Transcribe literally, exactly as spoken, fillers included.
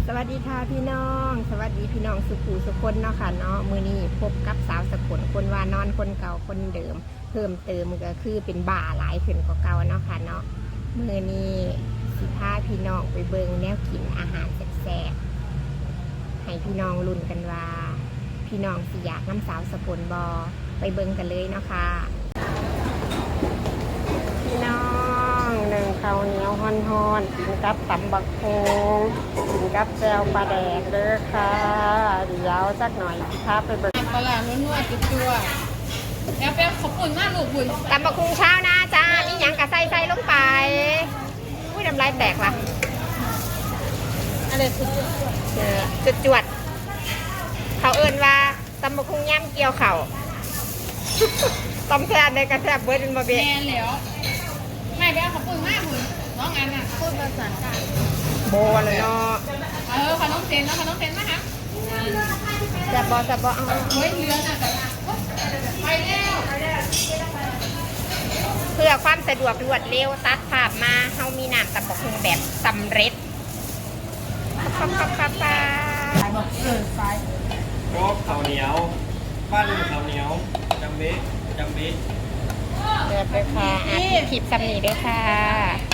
วัสดีค่ะพี่น้องสวัสดีพี่น้องสุขูสุคนเนาะค่ะเนาะมือนี้พบกับสาวสกลคนว่านอนคนเก่าคนเดิมเพิ่มเติมก็คือเป็นบ่าหลายขึ้นกว่าเก่าเนาะค่ะเนาะมือนี้สิพาพี่น้องไปเบิงแนวกินอาหารแซ่บๆให้พี่น้องลุ้นกันว่าพี่น้องสิอยากน้ำสาวสกลบอไปเบิงกันเลยเนาะค่ะพี่น้องหนึ่งข้าวเหนียวฮ้อนๆกินกับตำบักโฮงกินกับแจวปลาแดกเด้อค่ะเดี๋ยวสักหน่อยสิพาไปเบิงปลาหนัวๆจั่วๆแล้วเป็นขอบคุณมากลูกบุญตำบักคุงเช้านะจ้ามีหยังกะใส่ใส่ลงไปอุ้ยน้ำลายแตกว่ะอะไรสุดเออจุดจวดๆเขาเอิ้นว่าตำบักคุงย่ำเกี่ยวเข่า ต้มแซ่บในกระแซ่บเบิร์ดเป็นบะแมเบี้ยนแล้วไม่เป็นขอบคุณมากบุญน้องอันน่ะพูดภาษากลางโบเลยเนาะเออขนมเซนเนาะขนมเซนนะคะแซ่บบอแซ่บบอเอาเฮ้ยเรือน่ะไปแล้วเพื่อความสะดวกรวดเร็วตัดภาพมาเฮามีน้ำตำบักคุงแบบสำเร็จปั๊บปั๊บปั๊บปั๊บบอกเออซ้ายรอบข้าวเหนียวปั้นข้าวเหนียวจำเบ๊ะจำเบ๊ะเดือดเลยค่ะอ่ะคลิปซ้ำนี้ด้วยค่ะ